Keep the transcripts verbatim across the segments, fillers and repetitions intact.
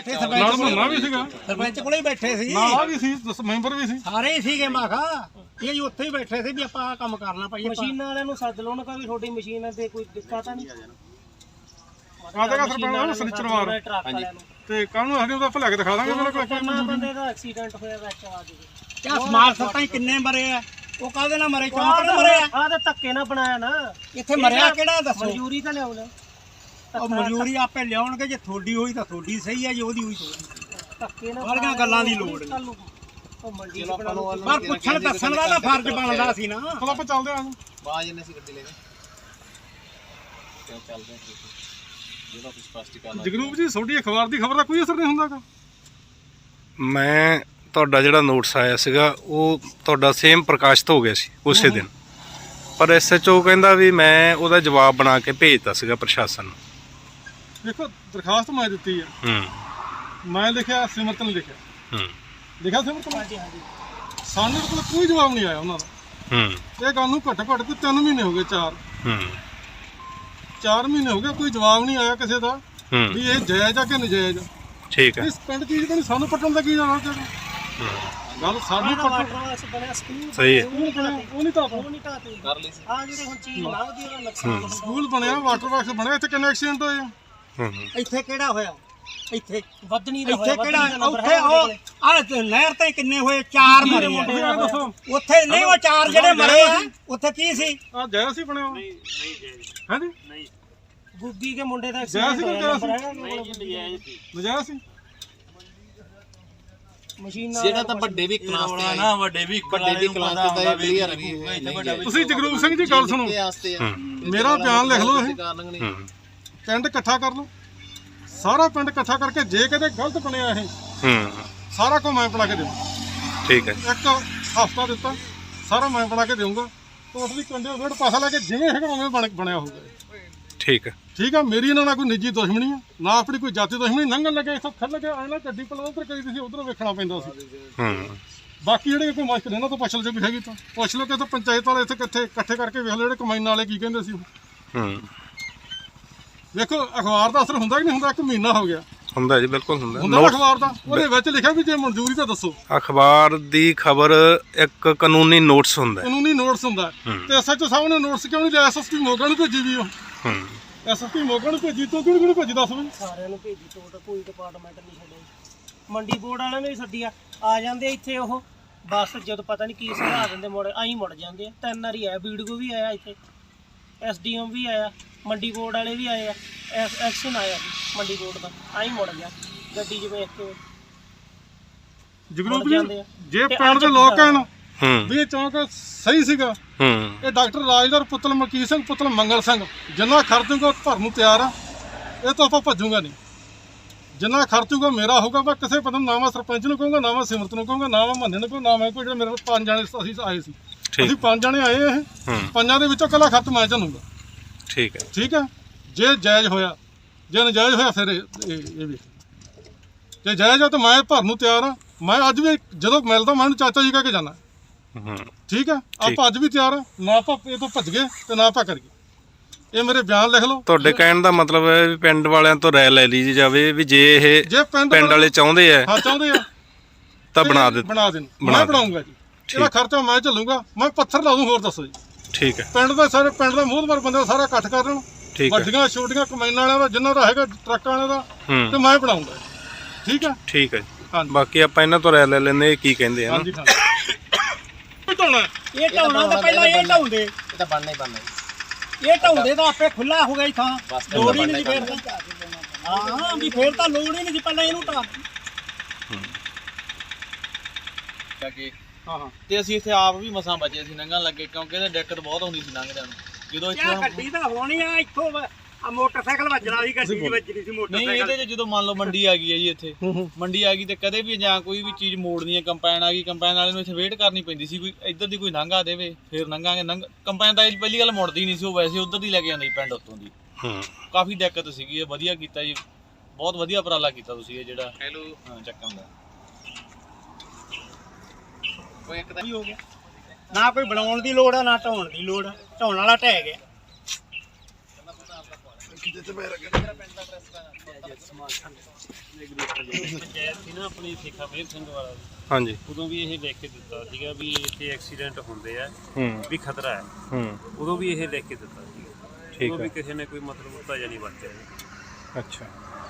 ਮਹੀਨਾ ਵੀ ਸੀਗਾ ਸਰਪੰਚ ਕੋਲੇ ਹੀ ਬੈਠੇ ਸੀ ਨਾਲ ਵੀ ਸੀ ਮੈਂਬਰ ਵੀ ਸੀ ਸਾਰੇ ਹੀ ਸੀਗੇ ਮੈਂ ਕਿਹਾ ਇਹ ਜੀ ਉੱਥੇ ਹੀ ਬੈਠੇ ਸੀ ਵੀ ਆਪਾਂ ਆਹ ਕੰਮ ਕਰਨਾ ਭਾਈ ਮਸ਼ੀਨਾਂ ਵਾਲਿਆਂ ਨੂੰ ਸੱਦ ਲਓ ਉਹਨਾਂ ਕਾ ਵੀ ਤੁਹਾਡੀ ਮਸ਼ੀਨ ਤੇ ਕੋਈ ਦਿੱਕਤ ਤਾਂ ਨਹੀਂ ਆਦੇਗਾ ਸਰਪੰਚ ਸਨਿਚਰ ਮਾਰ ਤੇ ਕੱਲ ਨੂੰ ਅਸੀਂ ਉਹਦਾ ਭਲਾ ਕੇ ਦਿਖਾ ਦਾਂਗੇ ਮੇਰੇ ਕੋਲ ਬੰਦੇ ਦਾ ਐਕਸੀਡੈਂਟ ਹੋਇਆ ਵਿੱਚ ਆ ਜੀ ਕਿਆ ਸਮਾਲ ਸਰਪੰਚ ਕਿੰਨੇ ਮਰੇ ਆ ਉਹ ਕਾਹਦੇ ਨਾਲ ਮਰੇ ਚੌਂਕ ਨਾਲ ਮਰੇ ਆ ਆਹ ਤਾਂ ਧੱਕੇ ਨਾਲ ਬਣਾਇਆ ਨਾ ਇੱਥੇ ਮਰਿਆ ਕਿਹੜਾ ਦੱਸੋ ਮਨਜ਼ੂਰੀ ਤਾਂ ਲਿਆਉਣਾ ਉਹ ਮਨਜ਼ੂਰੀ ਆਪੇ ਲਿਆਉਣਗੇ ਜੇ ਥੋੜੀ ਹੋਈ ਤਾਂ ਥੋੜੀ ਸਹੀ ਹੈ ਜੇ ਉਹਦੀ ਹੋਈ ਧੱਕੇ ਨਾਲ ਬੜੀਆਂ ਗੱਲਾਂ ਦੀ ਲੋੜ ਨਹੀਂ ਉਹ ਮੰਡੀ ਚ ਬਣਾ ਲਓ ਪਰ ਪੁੱਛਣ ਦੱਸਣ ਦਾ ਤਾਂ ਫਰਜ਼ ਬਣਦਾ ਸੀ ਨਾ ਚਲੋ ਆਪਾਂ ਚੱਲਦੇ ਆਂ ਬਾਜ ਇਹਨੇ ਸੀ ਗੱਡੀ ਲੈ ਕੇ ਕਿਉਂ ਚੱਲਦੇ ਜਿਹੜਾ ਕੁਝ ਸਪਸ਼ਟੀਕਰਨ ਜਗਰੂਪ ਜੀ ਤੁਹਾਡੀ ਅਖਬਾਰ ਦੀ ਖਬਰ ਦਾ ਕੋਈ ਅਸਰ ਨਹੀਂ ਹੁੰਦਾਗਾ ਮੈਂ ਤੁਹਾਡਾ ਜਿਹੜਾ ਨੋਟਿਸ ਆਇਆ ਸੀਗਾ ਉਹ ਤੁਹਾਡਾ ਸੇਮ ਪ੍ਰਕਾਸ਼ਿਤ ਹੋ ਗਿਆ ਸੀ ਉਸੇ ਦਿਨ ਪਰ ਐਸ ਐਚ ਓ ਕਹਿੰਦਾ ਵੀ ਮੈਂ ਉਹਦਾ ਜਵਾਬ ਬਣਾ ਕੇ ਭੇਜਤਾ ਸੀਗਾ ਪ੍ਰਸ਼ਾਸਨ ਨੂੰ ਦੇਖੋ ਦਰਖਾਸਤ ਮੈਂ ਦਿੱਤੀ ਹੈ ਹੂੰ ਮੈਂ ਲਿਖਿਆ ਸਿਮਰਤ ਨੇ ਲਿਖਿਆ ਹੂੰ ਲਿਖਿਆ ਸਿਮਰਤ ਨੇ ਸਾਨੂੰ ਕੋਲ ਕੋਈ ਜਵਾਬ ਨਹੀਂ ਆਇਆ ਉਹਨਾਂ ਦਾ ਹੂੰ ਇਹ ਗੱਲ ਨੂੰ ਘੱਟ ਘੱਟ ਤੇ ਤਿੰਨ ਮਹੀਨੇ ਹੋ ਗਏ ਚਾਰ ਹੂੰ ਚਾਰ ਮਹੀਨੇ ਹੋ ਗਏ ਕੋਈ ਜਵਾਬ ਨਹੀਂ ਆਇਆ ਕਿਸੇ ਦਾ ਹੂੰ ਵੀ ਇਹ ਜਾਇਜ਼ ਆ ਕਿ ਨਜਾਇਜ਼ ਆ ਠੀਕ ਹੈ ਇਸ ਪਿੰਡ ਚੀਜ਼ ਬਣੀ ਸਾਨੂੰ ਪੱਟਣ ਦਾ ਕੀ ਜਾਣਾ ਚਾਹੀਦਾ ਗੱਲ ਸਾਡੀ ਪੱਟਣ ਬਣਿਆ ਸਕੂਲ ਸਹੀ ਹੈ ਸਕੂਲ ਬਣਿਆ ਉਹ ਨਹੀਂ ਤਾਂ ਉਹ ਨਹੀਂ ਢਾਤੇ ਕਰ ਲਈ ਸੀ ਆ ਜਿਹੜੇ ਹੁਣ ਚੀਜ਼ ਲਾਉਦੀ ਉਹਦਾ ਨੁਕਸਾਨ ਸਕੂਲ ਬਣਿਆ ਵਾਟਰ ਬਾਕਸ ਬਣਿਆ ਇੱਥੇ ਕਿੰਨੇ ਐਕਸੀਡੈਂਟ ਹੋਏ ਆ ਹੂੰ ਇੱਥੇ ਕਿਹੜਾ ਹੋਇਆ ਇੱਥੇ ਵਧਣੀ ਦਾ ਇੱਥੇ ਕਿਹੜਾ ਉੱਥੇ ਉਹ ਆਹ ਨਹਿਰ ਤੇ ਕਿੰਨੇ ਹੋਏ ਚਾਰ ਮਰੇ ਆ ਦੱਸੋ ਉੱਥੇ ਨਹੀਂ ਉਹ ਚਾਰ ਜਿਹੜੇ ਮਰੇ ਆ ਉੱਥੇ ਕੀ ਸੀ ਆ ਜਾਇਜ਼ ਸੀ ਬਣਿਆ ਨਹੀਂ ਹਾਂਜੀ ਨਹੀਂ ਗੁੱਗੀ ਦੇ ਮੁੰਡੇ ਦਾ ਜਾਇਜ਼ ਸੀ ਕਿ ਐਕਸੀਡੈਂਟ ਨਜਾਇਜ਼ ਸੀ ਨਜਾਇਜ਼ ਸੀ ਮਸ਼ੀਨਾਂ ਜਿਹੜਾ ਤਾਂ ਵੱਡੇ ਵੀ ਕਲਾਸ ਤੇ ਨਾ ਵੱਡੇ ਵੀ ਵੱਡੇ ਵੀ ਕਲਾਸ ਤੇ ਤਾਂ ਇਹ ਕਲੀਅਰ ਹੈ ਵੀ ਤੁਸੀਂ ਜਗਰੂਪ ਸਿੰਘ ਜੀ ਗੱਲ ਸੁਣੋ ਵਾਸਤੇ ਆ ਮੇਰਾ ਬਿਆਨ ਲਿਖ ਲਓ ਇਹ ਕਾਰਨ ਨਹੀਂ ਹੂੰ ਪਿੰਡ ਇਕੱਠਾ ਕਰ ਲਓ ਸਾਰਾ ਪਿੰਡ ਇਕੱਠਾ ਕਰਕੇ ਜੇ ਕਿਤੇ ਗਲਤ ਬਣਿਆ ਇਹ ਹੂੰ ਸਾਰਾ ਕੁਝ ਮੈਂ ਬਣਾ ਕੇ ਦੇਵਾਂ ਠੀਕ ਹੈ ਇੱਕ ਹਫਤਾ ਦਿੱਤਾ ਸਾਰਾ ਮੈਂ ਬਣਾ ਕੇ ਦੇਵਾਂਗਾ ਟੋਟਲੀ ਕੰਡੇ ਫੇਰ ਪੈਸਾ ਲੈ ਕੇ ਜਿਵੇਂ ਹੈਗਾ ਉਵੇਂ ਬਣ ਬਣਿਆ ਹੋਊਗਾ ਠੀਕ ਹੈ ਠੀਕ ਆ ਮੇਰੀ ਇਹਨਾਂ ਨਾਲ ਕੋਈ ਨਿੱਜੀ ਦੁਸ਼ਮਣੀ ਆ ਨਾ ਆਪਣੀ ਕੋਈ ਜਾਤੀ ਦੁਸ਼ਮਣੀ ਲੰਘਣ ਲੱਗੇ ਇੱਥੋਂ ਖੜ ਲੱਗੇ ਆਏ ਨਾ ਗੱਡੀ ਪਲਾ ਉਧਰ ਕਰੀ ਤੁਸੀਂ ਉਧਰੋਂ ਵੇਖਣਾ ਪੈਂਦਾ ਸੀ ਹੂੰ ਬਾਕੀ ਜਿਹੜੇ ਕੋਈ ਮੁਸ਼ਕਲ ਇਹਨਾਂ ਤੋਂ ਪੁੱਛ ਲਓ ਜੇ ਕੋਈ ਹੈਗੀ ਤਾਂ ਪੁੱਛ ਲਓ ਕਿ ਇੱਥੇ ਪੰਚਾਇਤ ਵਾਲੇ ਇੱਥੇ ਕਿੱਥੇ ਇਕੱਠੇ ਕਰਕੇ ਵੇਖ ਲਓ ਜਿਹੜੇ ਕਮਾਈਨ ਵਾਲੇ ਕੀ ਕਹਿੰਦੇ ਸੀ ਹੂੰ ਵੇਖੋ ਅਖਬਾਰ ਦਾ ਅਸਰ ਹੁੰਦਾ ਕਿ ਨਹੀਂ ਹੁੰਦਾ ਇੱਕ ਮਹੀਨਾ ਹੋ ਗਿਆ ਹੁੰਦਾ ਜੀ ਬਿਲਕੁਲ ਹੁੰਦਾ ਹੁੰਦਾ ਨਾ ਅਖਬਾਰ ਦਾ ਉਹਦੇ ਵਿੱਚ ਲਿਖਿਆ ਵੀ ਜੇ ਮਨਜ਼ੂਰੀ ਤਾਂ ਦੱਸੋ ਅਖਬਾਰ ਦੀ ਖਬਰ ਇੱਕ ਕਾਨੂੰਨੀ ਨੋਟਿਸ ਹੁੰਦਾ ਹੈ। ਕਾਨੂੰਨੀ ਨੋਟਿਸ ਹੁੰਦਾ ਤੇ ਐਸਐਚਓ ਸਾਹਿਬ ਨੇ ਨੋਟਿਸ ਕਿਉਂ ਨਹੀਂ ਲਿਆ ਐਸਐਸਪੀ ਮੋਗਾ ਨੂੰ ਭੇਜੀ ਵੀ ਉਹ ਹੂੰ ਐਸਐਸਪੀ ਮੋਗਾ ਨੂੰ ਭੇਜੀ ਤੋਂ ਕਿਹਨੂੰ ਕਿਹਨੂੰ ਭੇਜੀ ਦੱਸ ਵੀ ਸਾਰਿਆਂ ਨੂੰ ਭੇਜੀ ਤੋਂ ਕੋਈ ਡਿਪਾਰਟਮੈਂਟ ਨਹੀਂ ਛੱਡਿਆ ਮੰਡੀ ਬੋਰਡ ਵਾਲਿਆਂ ਨੇ ਵੀ ਸੱਦਿਆ ਆ ਜਾਂਦੇ ਇੱਥੇ ਉਹ ਬੱਸ ਜਦੋਂ ਪਤਾ ਨਹੀਂ ਕੀ ਸੁਝਾ ਦਿੰਦੇ ਮੁੜ ਆਈ ਮੁੜ ਜਾਂਦੇ ਆ ਤਿੰਨ ਵਾਰੀ ਆਇਆ ਵੀਡੀਓ ਵੀ ਆਇਆ ਇੱਥੇ ਐਸਡੀਐਮ ਵੀ ਆਇਆ ਮੰਡੀ ਬੋਰਡ ਵਾਲੇ ਵੀ ਆਏ ਆ ਐਕਸ਼ਨ ਆਇਆ ਮੰਡੀ ਬੋਰਡ ਦਾ ਆਈ ਮੁੜ ਗਿਆ ਗੱਡੀ 'ਚ ਵੇਖ ਕੇ ਜਗਰੂਪ ਜੀ ਜੇ ਪਿੰਡ ਦੇ ਲੋਕ ਕਹਿਣ ਹੂੰ ਵੀ ਇਹ ਚੌਂਕ ਸਹੀ ਸੀਗਾ ਹੂੰ ਇਹ ਡਾਕਟਰ ਰਾਜਦਾਰ ਪੁੱਤਰ ਮਲਕੀਤ ਸਿੰਘ ਪੁੱਤਰ ਮੰਗਲ ਸਿੰਘ ਜਿੰਨਾ ਖਰਚੂਗਾ ਉਹ ਭਰਨ ਨੂੰ ਤਿਆਰ ਆ ਇਹ ਤੋਂ ਆਪਾਂ ਭੱਜੂਗਾ ਨਹੀਂ ਜਿੰਨਾ ਖਰਚੂਗਾ ਮੇਰਾ ਹੋਊਗਾ ਮੈਂ ਕਿਸੇ ਪਤਾ ਨਾ ਮੈਂ ਸਰਪੰਚ ਨੂੰ ਕਹੂੰਗਾ ਨਾ ਮੈਂ ਸਿਮਰਤ ਨੂੰ ਕਹੂੰਗਾ ਨਾ ਮੈਂ ਮੰਨੇ ਨੂੰ ਕਹੂੰਗਾ ਨਾ ਮੈਂ ਕੋਈ ਜਿਹੜੇ ਮੇਰੇ ਪੰਜ ਜਾਣੇ ਅਸੀਂ ਆਏ ਸੀ ਅਸੀਂ ਪੰਜ ਜਾਣੇ ਆਏ ਇਹ ਪੰਜਾਂ ਦੇ ਵਿੱਚੋਂ ਇਕੱਲਾ ਖਰਚ ਮੈਂ ਝੱਲੂਗਾ ਠੀਕ ਹੈ ਠੀਕ ਹੈ ਜੇ ਜਾਇਜ਼ ਹੋਇਆ ਜੇ ਨਜਾਇਜ਼ ਹੋਇਆ ਫਿਰ ਇਹ ਇਹ ਵੀ ਜੇ ਜਾਇਜ਼ ਹੋ ਤਾਂ ਮੈਂ ਭਰਨ ਨੂੰ ਤਿਆਰ ਆ ਮੈਂ ਅੱਜ ਵੀ ਜਦੋਂ ਮਿਲਦਾ ਮੈਂ ਉਹਨੂੰ ਚਾਚਾ ਜੀ ਕਹਿ ਕੇ ਜਾਣਾ ਹੂੰ ਠੀਕ ਹੈ ਆਪਾਂ ਅੱਜ ਵੀ ਤਿਆਰ ਆ ਨਾ ਆਪਾਂ ਇਹ ਤੋਂ ਭੱਜ ਗਏ ਤੇ ਨਾ ਆਪਾਂ ਕਰੀਏ ਇਹ ਮੇਰੇ ਬਿਆਨ ਲਿਖ ਲਓ ਤੁਹਾਡੇ ਕਹਿਣ ਦਾ ਮਤਲਬ ਹੈ ਵੀ ਪਿੰਡ ਵਾਲਿਆਂ ਤੋਂ ਰਾਇ ਲੈ ਲਈ ਜਾਵੇ ਵੀ ਜੇ ਇਹ ਜੇ ਪਿੰਡ ਪਿੰਡ ਵਾਲੇ ਚਾਹੁੰਦੇ ਆ ਹਾਂ ਚਾਹੁੰਦੇ ਆ ਤਾਂ ਬਣਾ ਦੇ ਬਣਾ ਦੇਣ ਮੈਂ ਬਣਾਉਂਗਾ ਜੀ ਇਹਦਾ ਖਰਚਾ ਮੈਂ ਝੱਲੂਗਾ ਮੈਂ ਪੱਥਰ ਲਾ ਦੂੰ ਹੋਰ ਦੱਸੋ ਜੀ ਠੀਕ ਹੈ ਪਿੰਡ ਦਾ ਸਾਰੇ ਪਿੰਡ ਦਾ ਮੋਹਤਬਰ ਬੰਦੇ ਸਾਰਾ ਇਕੱਠ ਕਰ ਲੈਣ ਠੀਕ ਹੈ ਵੱਡੀਆਂ ਛੋਟੀਆਂ ਕਮਾਈਨਾਂ ਵਾਲਿਆਂ ਦਾ ਜਿੰਨਾ ਦਾ ਹੈਗਾ ਟਰੱਕਾਂ ਵਾਲਿਆਂ ਦਾ ਤੇ ਮੈਂ ਬਣਾਉਂਗਾ ਠੀਕ ਹੈ ਠੀਕ ਹੈ ਜੀ ਹਾਂਜੀ ਬਾਕੀ ਆਪਾਂ ਇਹਨਾਂ ਤੋਂ ਰਾਇ ਲੈ ਲੈਂਦੇ ਇਹ ਕੀ ਕਹਿੰਦੇ ਆ ਹਾਂਜੀ ਹਾਂਜੀ ਢਾਉਣਾ ਇਹ ਢਾਉਣਾ ਤਾਂ ਪਹਿਲਾਂ ਇਹ ਢਾਉਂਦੇ ਇਹ ਤਾਂ ਬਣਨਾ ਹੀ ਬਣਨਾ ਇਹ ਢਾਉਂਦੇ ਤਾਂ ਆਪੇ ਖੁੱਲਾ ਹੋ ਗਈ ਥਾਂ ਲੋੜ ਹੀ ਨਹੀਂ ਫੇਰ ਹਾਂ ਵੀ ਫੇਰ ਤਾਂ ਲੋੜ ਹੀ ਨਹੀਂ ਸੀ ਪਹਿਲਾਂ ਇਹਨੂੰ ਢਾ ਕਿ ਹਾਂ ਹਾਂ ਤੇ ਅਸੀਂ ਇੱਥੇ ਆਪ ਵੀ ਮਸਾਂ ਬਚੇ ਸੀ ਲੰਘਣ ਲੱਗੇ ਕਿਉਂਕਿ ਇਹਦੇ ਦਿੱਕਤ ਬਹੁਤ ਹੁੰਦੀ ਸੀ ਲੰਘਦਿਆਂ ਨੂੰ ਜਦੋਂ ਕਿਆ ਇੱਥੇ ਗੱਡੀ ਤਾਂ ਹੋਣੀ ਆ ਇੱਥੋਂ ਆ ਮੋਟਰਸਾਈਕਲ ਵੱਜਣਾ ਸੀ ਗੱਡੀ ਦੀ ਵੱਜਣੀ ਸੀ ਨਹੀਂ ਮੋਟਰਸਾਈਕਲ ਇਹਦੇ 'ਚ ਜਦੋਂ ਮੰਨ ਲਓ ਮੰਡੀ ਆ ਗਈ ਹੈ ਜੀ ਇੱਥੇ ਮੰਡੀ ਆ ਗਈ ਤੇ ਕਦੇ ਵੀ ਜਾਂ ਕੋਈ ਵੀ ਚੀਜ਼ ਮੋੜਨੀ ਹੈ ਕੰਪਾਈਨ ਆ ਗਈ ਕੰਪਾਈਨ ਵਾਲੇ ਨੂੰ ਇੱਥੇ ਵੇਟ ਕਰਨੀ ਪੈਂਦੀ ਸੀ ਕੋਈ ਇੱਧਰ ਦੀ ਕੋਈ ਲੰਘਾ ਦੇਵੇ ਫਿਰ ਲੰਘਾਂਗੇ ਲੰਘ ਕੰਪਾਈਨ ਤਾਂ ਪਹਿਲੀ ਗੱਲ ਮੁੜਦੀ ਨਹੀਂ ਸੀ ਉਹ ਵੈਸੇ ਉੱਧਰ ਦੀ ਲੈ ਕੇ ਜਾਂਦੀ ਪਿੰਡ ਉੱਤੋਂ ਦੀ ਕਾਫੀ ਦਿੱਕਤ ਸੀਗੀ ਇਹ ਵਧੀਆ ਕੀਤਾ ਜੀ ਬਹੁਤ ਵਧੀਆ ਉਪਰਾਲਾ ਕੀਤਾ ਤੁਸੀਂ ਇਹ ਜਿਹੜਾ ਹੈਲੋ ਹਾਂ ਚੱਕਣ ਦਾ ਕੋਈ ਇੱਕ ਤਾਂ ਹੋ ਗਿਆ ਨਾ ਕੋਈ ਬਣਾਉਣ ਦੀ ਲੋੜ ਆ ਨਾ ਢਾਉਣ ਦੀ ਲੋੜ ਆ ਢਾਉਣ ਵਾਲਾ ਢਹਿ ਗਿਆ ਜਿੱਥੇ ਮੈਂ ਰੱਖਿਆ ਮੇਰਾ ਪਿੰਡ ਦਾ ਐਡਰੈਸ ਪੰਚਾਇਤ ਸੀ ਨਾ ਆਪਣੀ ਸੇਖਾ ਮੇਰ ਸਿੰਘ ਵਾਲਾ ਦੀ, ਹਾਂਜੀ ਉਦੋਂ ਵੀ ਇਹ ਲਿਖ ਕੇ ਦਿੱਤਾ ਸੀਗਾ ਵੀ ਇੱਥੇ ਐਕਸੀਡੈਂਟ ਹੁੰਦੇ ਆ ਹੂੰ ਵੀ ਖਤਰਾ ਹੈ। ਹੂੰ ਉਦੋਂ ਵੀ ਇਹ ਲਿਖ ਕੇ ਦਿੱਤਾ ਸੀਗਾ, ਠੀਕ ਉਦੋਂ ਹੈ ਵੀ ਕਿਸੇ ਨੇ ਕੋਈ ਮਤਲਬ ਉੱਤਾ ਜਾਂ ਨਹੀਂ ਵਰਤਿਆ। ਅੱਛਾ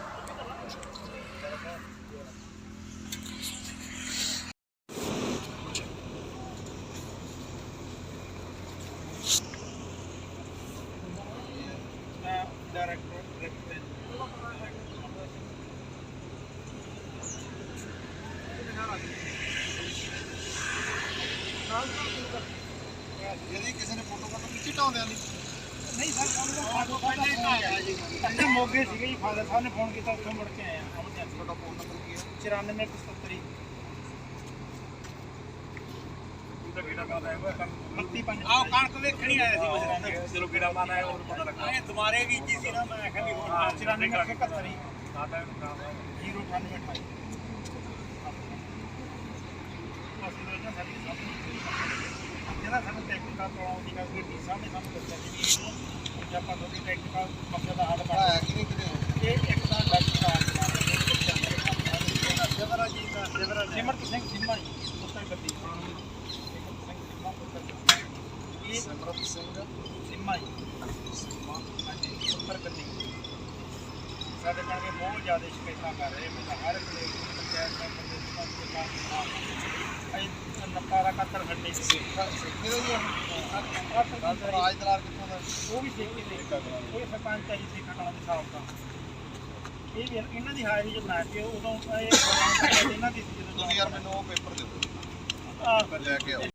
ਜਿਹੜੀ ਕਿਸੇ ਨੇ ਫੋਟੋ ਕਰਨ ਵਿੱਚ ਢਾਉਂਦਿਆਂ ਨਹੀਂ ਨਹੀਂ ਸਰ, ਸਾਨੂੰ ਪਹਿਲਾਂ ਹੀ ਆਇਆ ਜੀ। ਅਸੀਂ ਮੋਗੇ ਸੀਗੇ ਜੀ, ਫਾਦਰ ਸਾਹਿਬ ਨੇ ਫੋਨ ਕੀਤਾ, ਉੱਥੋਂ ਮੁੜ ਕੇ ਆਏ ਆ। ਤੁਹਾਡਾ ਫੋਨ ਨੰਬਰ ਕੀ ਹੈ? ਚੁਰਾਨਵੇਂ ਪਚੱਤਰ ਬੱਤੀ ਪੰਜ। ਆਹ ਕਣਕ ਵੇਖਣੀ ਆਇਆ ਸੀ ਮੈਂ, ਚਲੋ ਕਿਹੜਾ ਮਾਨਾ ਹੈ, ਹੋਰ ਪਤਾ ਲੱਗਾ। ਇਹ ਦੁਬਾਰੇ ਬੀਜੀ ਸੀ ਨਾ, ਮੈਂ ਆਖਿਆ ਵੀ ਹੋਰ ਚੁਰਾਨਵੇਂ ਇਕਹੱਤਰ ਹੀ ਜ਼ੀਰੋ ਅਠਾਨਵੇਂ ਅਠਾਈ। ਜਿਹੜਾ ਸਾਨੂੰ ਟੈਕਨੀਕਲ ਪ੍ਰੋਬਲਮ ਦੀ ਗੱਲ ਕੀਤੀ ਸਾਹਮਣੇ ਸਾਨੂੰ ਦੱਸਿਆ ਸੀ ਵੀ ਜੇ ਆਪਾਂ ਤੁਹਾਡੀ ਟੈਕਨੀਕਲ ਮਸਲੇ ਦਾ ਹੱਲ ਆਇਆ ਕਿ ਨਹੀਂ ਕਿਤੇ ਇਹ ਇੱਕ ਤਾਂ ਡਾਕਟਰ ਆ ਜਵਰਾ ਜੀ ਦਾ ਜਵਰਾ ਸਿਮਰਤ ਸਿੰਘ ਸਿੰਮਾ ਜੀ ਪੁੱਤਰ ਗੱਦੀ ਇਹ ਸਿਮਰਤ ਸਿੰਘ ਸਿੰਮਾ ਜੀ ਹਾਂਜੀ ਪੁੱਤਰ ਗੱਦੀ ਸਾਡੇ ਕਰਕੇ ਬਹੁਤ ਜ਼ਿਆਦਾ ਸ਼ਿਕਾਇਤਾਂ ਕਰ ਰਹੇ ਮੈਂ ਹਰ ਵੇਲੇ ਪੰਚਾਇਤ ਮੈਂਬਰ ਦੇ ਸਾਥ ਨਪਾਰਾ ਕੱਤਰ ਖੱਡੇ ਸੀ ਸਿੱਖੇ ਦਾ ਹੀ ਹੈ ਰਾਜ ਦਲਾਰ ਕਿੱਥੋਂ ਦਾ? ਉਹ ਵੀ ਸੇਖੀ ਦੇ ਇਹ ਸਰਪੰਚ ਆਈ ਸੀ ਕਟਾਣਾ ਦੇ ਸਾਹਬ ਦਾ। ਇਹ ਵੀ ਇਹਨਾਂ ਦੀ ਹਾਜ਼ਰੀ 'ਚ ਬਣਾ ਕੇ ਉਦੋਂ ਇਹ ਇਹਨਾਂ ਦੀ ਸੀ ਜਦੋਂ ਤੁਸੀਂ ਯਾਰ ਮੈਨੂੰ ਉਹ ਪੇਪਰ ਦੇ ਦਿਓ, ਆਹ ਲੈ ਕੇ ਆਓ।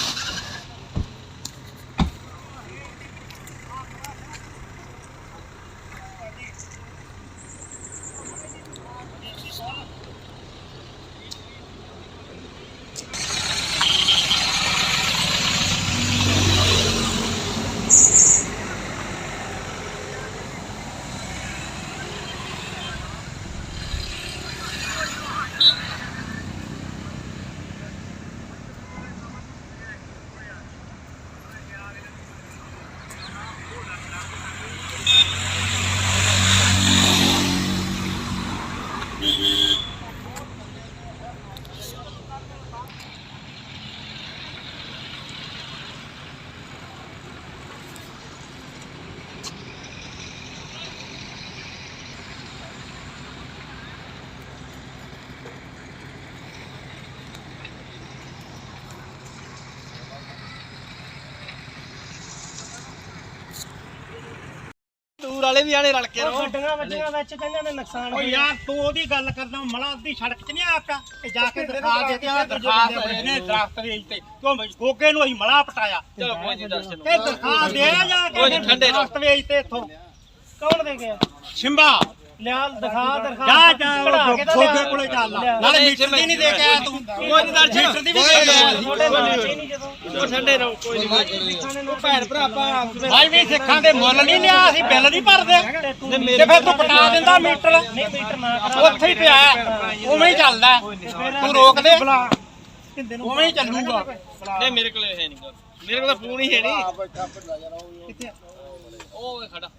ਦੂਰ ਵਾਲੇ ਵੀ ਆਣੇ ਰਲ ਕੇ ਰਹੋ। ਗੱਡੀਆਂ ਵੱਜੀਆਂ ਵਿੱਚ ਕਹਿੰਦੇ ਨੇ ਨੁਕਸਾਨ ਓ ਹੋਇਆ। ਯਾਰ ਤੂੰ ਉਹਦੀ ਗੱਲ ਕਰਦਾ ਮਲਾ ਅੱਧੀ ਸੜਕ 'ਚ ਨਹੀਂ ਆਕਾ ਤੇ ਜਾ ਕੇ ਦਿਖਾ ਦੇ ਤੇ ਆ ਦਰਖਾਸਤ ਇਹਨੇ ਦਰਖਤ ਵੇਚ ਤੇ ਕਿਉਂ ਗੋਗੇ ਨੂੰ ਅਸੀਂ ਮਲਾ ਪਟਾਇਆ। ਚਲੋ ਕੋਈ ਨਹੀਂ ਦਰਸ਼ਨ ਇਹ ਦਰਖਾਸਤ ਦੇ ਜਾ ਕੇ ਠੰਡੇ ਦਰਖਤ ਵੇਚ ਤੇ ਇੱਥੋਂ ਕੌਣ ਦੇ ਗਿਆ? ਸ਼ਿੰਬਾ ਲਿਆ ਦਿਖਾ ਦਿਖਾ ਜਾ ਜਾ ਗੋਗੇ ਕੋਲੇ ਚੱਲ ਨਾਲੇ ਮੀਟਰ ਦੀ ਨਹੀਂ ਦੇ ਕੇ ਆਇਆ ਤੂੰ ਕੋਈ ਨਹੀਂ ਦਰਸ਼ਨ ਮੀਟਰ ਦੀ ਵੀ ਦੇ ਕੇ ਆਇਆ ਤੁਹਾਡੇ ਨਾਲ ਨਹੀਂ ਜਦੋਂ ਉਹ ਠੰਡੇ ਰਹੋ ਕੋਈ ਨਹੀਂ ਉਹ ਭੈਣ ਭਰਾ ਆਪਾਂ ਭਾਈ ਵੀ ਸਿੱਖਾਂ ਦੇ ਮੁੱਲ ਨਹੀਂ ਲਿਆ ਅਸੀਂ ਬਿੱਲ ਨਹੀਂ ਭਰਦੇ ਤੇ ਫਿਰ ਤੂੰ ਪਟਾ ਦਿੰਦਾ ਮੀਟਰ ਨਹੀਂ ਮੀਟਰ ਨਾ ਕਰਾ ਉੱਥੇ ਹੀ ਪਿਆ ਉਵੇਂ ਹੀ ਚੱਲਦਾ ਤੂੰ ਰੋਕ ਦੇ ਉਵੇਂ ਹੀ ਚੱਲੂਗਾ ਨਹੀਂ ਮੇਰੇ ਕੋਲ ਹੈ ਨਹੀਂ ਮੇਰੇ ਕੋਲ ਤਾਂ ਫੋਨ ਹੀ ਹੈ ਨਹੀਂ ਕਿੱਥੇ ਉਹ ਵੇ ਖੜਾ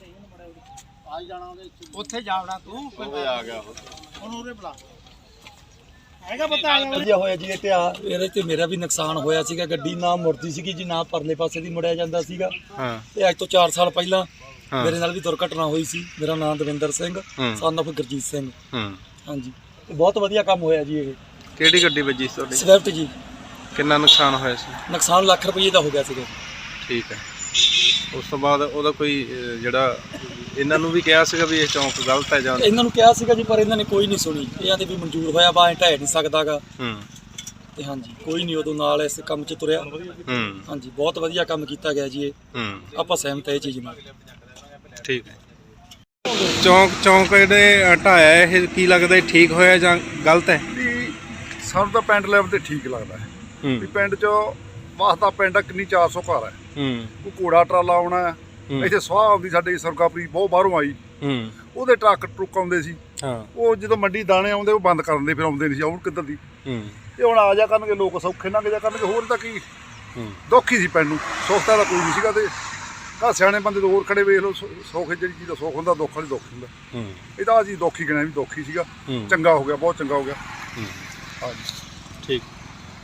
ਆ ਜਾਣਾ ਉਹਦੇ ਉੱਥੇ ਜਾਵਣਾ ਤੂੰ ਉਹ ਆ ਗਿਆ ਉਹ। ਉਹਨੂੰ ਉਰੇ ਬੁਲਾ ਹੈਗਾ ਪਤਾ ਆ ਵਧੀਆ ਹੋਇਆ ਜੀ ਇਹ ਤੇ ਆ ਇਹਦੇ ਤੇ ਮੇਰਾ ਵੀ ਨੁਕਸਾਨ ਹੋਇਆ ਸੀਗਾ। ਗੱਡੀ ਨਾ ਮੁੜਦੀ ਸੀਗੀ ਜੀ, ਨਾ ਪਰਲੇ ਪਾਸੇ ਦੀ ਮੁੜਿਆ ਜਾਂਦਾ ਸੀਗਾ। ਹਾਂ ਤੇ ਅੱਜ ਤੋਂ ਚਾਰ ਸਾਲ ਪਹਿਲਾਂ ਹਾਂ। ਮੇਰੇ ਨਾਲ ਵੀ ਦੁਰਘਟਨਾ ਹੋਈ ਸੀ। ਮੇਰਾ ਨਾਮ ਦਵਿੰਦਰ ਸਿੰਘ ਹੂੰ। Son of Gurjeet Singh. ਹੂੰ ਹਾਂਜੀ ਤੇ ਬਹੁਤ ਵਧੀਆ ਕੰਮ ਹੋਇਆ ਜੀ ਇਹ। ਕਿਹੜੀ ਗੱਡੀ ਵੱਜੀ ਸੀ ਤੁਹਾਡੀ? ਸਵਿਫਟ ਜੀ। ਕਿੰਨਾ ਨੁਕਸਾਨ ਹੋਇਆ ਸੀ? ਨੁਕਸਾਨ ਲੱਖ ਰੁਪਏ ਦਾ ਹੋ ਗਿਆ ਸੀਗਾ। ਠੀਕ ਹੈ। ਉਸ ਤੋਂ ਬਾਅਦ ਉਹਦਾ ਕੋਈ ਅਹ, ਜਿਹੜਾ ਇਹਨਾਂ ਨੂੰ ਵੀ ਕਿਹਾ ਸੀਗਾ ਵੀ ਇਹ ਚੌਂਕ ਗਲਤ ਹੈ ਜਾਂ ਇਹਨਾਂ ਨੂੰ ਕਿਹਾ ਸੀਗਾ ਜੀ, ਪਰ ਇਹਨਾਂ ਨੇ ਕੋਈ ਨਹੀਂ ਸੁਣੀ। ਇਹਨਾਂ ਦੇ ਵੀ ਮਨਜ਼ੂਰ ਹੋਇਆ ਵਾ, ਐ ਢਹਿ ਨਹੀਂ ਸਕਦਾਗਾ। ਹੂੰ ਤੇ ਹਾਂਜੀ ਕੋਈ ਨਹੀਂ ਉਦੋਂ ਨਾਲ ਇਸ ਕੰਮ 'ਚ ਤੁਰਿਆ। ਹੂੰ ਹਾਂਜੀ ਬਹੁਤ ਵਧੀਆ ਕੰਮ ਕੀਤਾ ਗਿਆ ਜੀ ਇਹ। ਹੂੰ ਆਪਾਂ ਸਹਿਮਤ ਹੈ ਇਹ ਚੀਜ਼ ਨਾਲ। ਠੀਕ ਹੈ। ਚੌਂਕ ਚੌਂਕ ਜਿਹੜੇ ਢਾਇਆ ਇਹ ਕੀ ਲੱਗਦਾ ਇਹ ਠੀਕ ਹੋਇਆ ਜਾਂ ਗਲਤ ਹੈ? ਵੀ ਸਾਨੂੰ ਤਾਂ ਪਿੰਡ ਲੈਵਲ ਤੇ ਠੀਕ ਲੱਗਦਾ ਹੈ ਵੀ ਹੂੰ ਪਿੰਡ 'ਚ ਵਾਸਤਾ ਪਿੰਡ ਆ, ਕਿੰਨੀ ਚਾਰ ਸੌ ਘਰ ਹੈ। ਹੂੰ ਕੋਈ ਘੋੜਾ ਟਰਾਲਾ ਆਉਣਾ ਹੈ। ਹੂੰ। ਇੱਥੇ ਸਵਾਹ ਆਉਂਦੀ ਸਾਡੇ ਸਰਕਾਪਰੀ ਬਹੁਤ ਬਾਹਰੋਂ ਆਈ, ਹੂੰ ਉਹਦੇ ਟਰੱਕ ਟਰੁੱਕ ਆਉਂਦੇ ਸੀ। ਹਾਂ ਉਹ ਜਦੋਂ ਮੰਡੀ ਦਾਣੇ ਆਉਂਦੇ ਉਹ ਬੰਦ ਕਰ ਦਿੰਦੇ, ਫਿਰ ਆਉਂਦੇ ਨਹੀਂ ਸੀ। ਆਉਣ ਕਿੱਧਰ ਦੀ ਹੂੰ ਇਹ ਹੁਣ ਆ ਜਾ ਕਰਨਗੇ ਲੋਕ, ਸੌਖੇ ਲੰਘ ਜਾ ਕਰਨਗੇ। ਹੋਰ ਤਾਂ ਕੀ ਹੂੰ ਦੁੱਖ ਹੀ ਸੀ ਪਿੰਡ ਨੂੰ, ਸੁੱਖ ਤਾਂ ਕੋਈ ਨਹੀਂ ਸੀਗਾ। ਤੇ ਕਾ ਸਿਆਣੇ ਬੰਦੇ ਤੋਂ ਹੋਰ ਖੜੇ ਵੇਖ ਲਓ, ਸੁ- ਸੁੱਖ ਜਿਹੜੀ ਚੀਜ਼ ਦਾ ਸੁੱਖ ਹੁੰਦਾ, ਦੁੱਖ ਵਾਲੀ ਦੁੱਖ ਹੁੰਦਾ। ਹੂੰ ਇਹ ਤਾਂ ਆ ਜੀ ਦੁੱਖ ਹੀ ਗਿਣਿਆ ਵੀ ਦੁੱਖ ਹੀ ਸੀਗਾ। ਹੂੰ। ਚੰਗਾ ਹੋ ਗਿਆ, ਬਹੁਤ ਚੰਗਾ ਹੋ ਗਿਆ। ਹੂੰ ਹਾਂਜੀ ਠੀਕ